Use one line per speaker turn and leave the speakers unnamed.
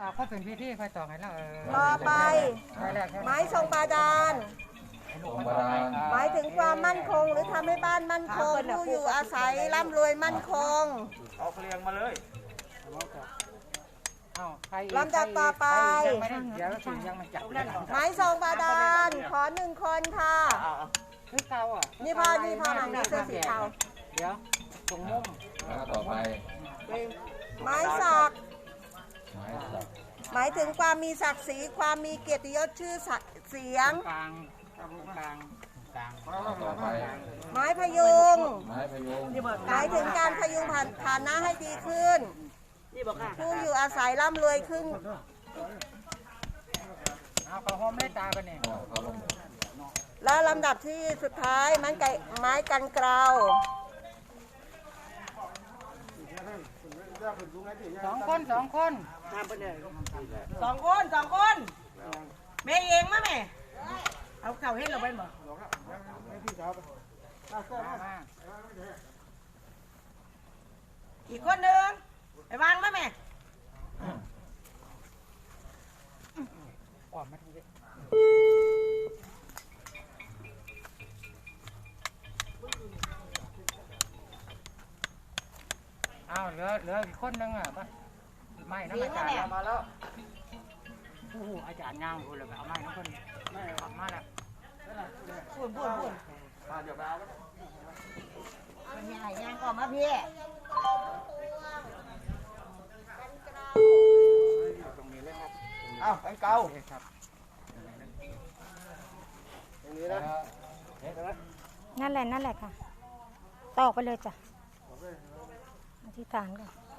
เขาเป็นพิธีค่อยต่อให้แล้ว
ต่อไปไม้ทรงบาดาลหมายถึงความมั่นคงหรือทำให้บ้านมั่นคงผู้อยู่อาศัยร่ำรวยมั่นคง
เอาเรียงมาเลย
ลำดับต่อไปไม้ทรงบาดาลขอ1 คนค่ะนี่พ่อมาในเสื้อสีเทา
เดี๋ยวตรงมุม
ต่อไป
ไม้สักหมายถึงความมีศักดิ์ศรีความมีเกียรติยศชื่อเสียง
กลาง
ต่อไป
ไม้พยุง
ห
มายถึงการพยุงฐานะให้ดีขึ้นผู้อยู่อาศัยร่ำรวยขึ้น
เอาเขาห้อมได้ตากันเนี่ย
และลำดับที่สุดท้ายไม้กันเกลา
สองคน
แม่เองมั้ยแม่เอาเข่าให้เราไปบ่อีกคนหนึ่งไปวางมั้ยแม่
ออกมาทีนี้เอาเหลืออีกคนนึงอ่ะป่ะไม่นะอาจารย์มาแล้วโอ้โหอาจารย์ย่างคนเลยเอาไม้นะคนไม่ออกมาแล้ว
พูด
มาเดี๋ยวไปเอา
มันใหญ่ย่างก่อนมาพี่
ตรงนี้เลยครับอ้าวเก่า
ครับ
ตรงนี้นะ
นั่นแหละค่ะต่อไปเลยจ้ะอธิษฐานก่อน